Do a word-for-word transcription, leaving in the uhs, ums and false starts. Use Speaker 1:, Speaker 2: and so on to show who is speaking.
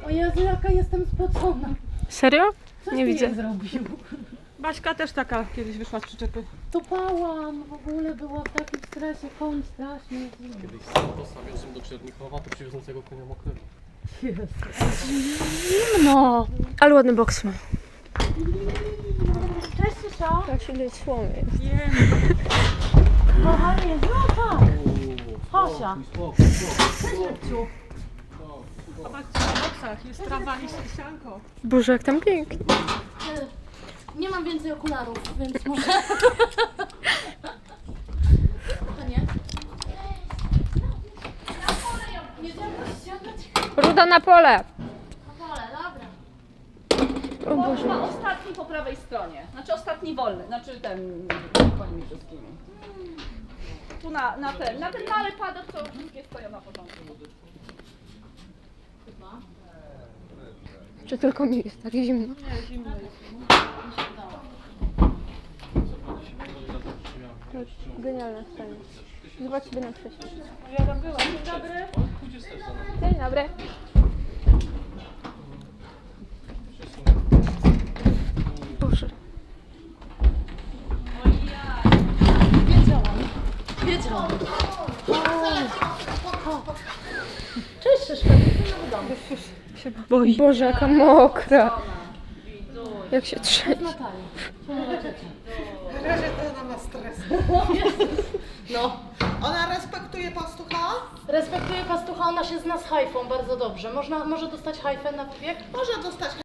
Speaker 1: O Jezu, jaka jestem spocona.
Speaker 2: Serio?
Speaker 1: Co
Speaker 2: Nie
Speaker 1: ty
Speaker 2: widzę.
Speaker 1: jej zrobił?
Speaker 3: Baśka też taka kiedyś wyszła z przyczepy.
Speaker 1: Topałam, w ogóle była w takim stresie, koń strasznie.
Speaker 4: Kiedyś sam postawił do Czernikowa, to przywiozącego konia mokrego.
Speaker 1: Zimno.
Speaker 2: Ale ładny boks ma.
Speaker 1: Cześć, Susza.
Speaker 2: Tak się do słomy.
Speaker 1: Kochanie, no tak. Hosia.
Speaker 4: Spokój,
Speaker 3: Zobaczcie, na boksach jest trawa i sianko.
Speaker 2: Boże, jak tam pięknie.
Speaker 1: Nie mam więcej okularów, więc może... To nie? Nie chciałam ściągać
Speaker 2: Ruda na pole.
Speaker 1: na pole, dobra.
Speaker 2: O Boże.
Speaker 3: Chyba ostatni po prawej stronie. Znaczy ostatni wolny, znaczy ten koni wszystkimi. Tu na, na ten, na ten mały padok, co wszystkie stoją na początku.
Speaker 2: Czy tylko mi jest tak zimno?
Speaker 3: Nie, zimno jest.
Speaker 2: Genialna scena. Zobacz sobie na wcześniej.
Speaker 3: Ja tam byłam. Dzień dobry.
Speaker 2: Dzień dobry. Boże.
Speaker 1: Wiedziałam. Wiedziałam. Cześć, Szyszka.
Speaker 2: Się boi. Boże, jaka mokra. Jak się trzęsie.
Speaker 1: Natalia.
Speaker 5: Razie to ona ma stres.
Speaker 1: No.
Speaker 5: Ona respektuje pastucha?
Speaker 1: Respektuję pastucha, ona się zna z hajfą bardzo dobrze. Można, może dostać hajfę na wybieg?
Speaker 5: Może dostać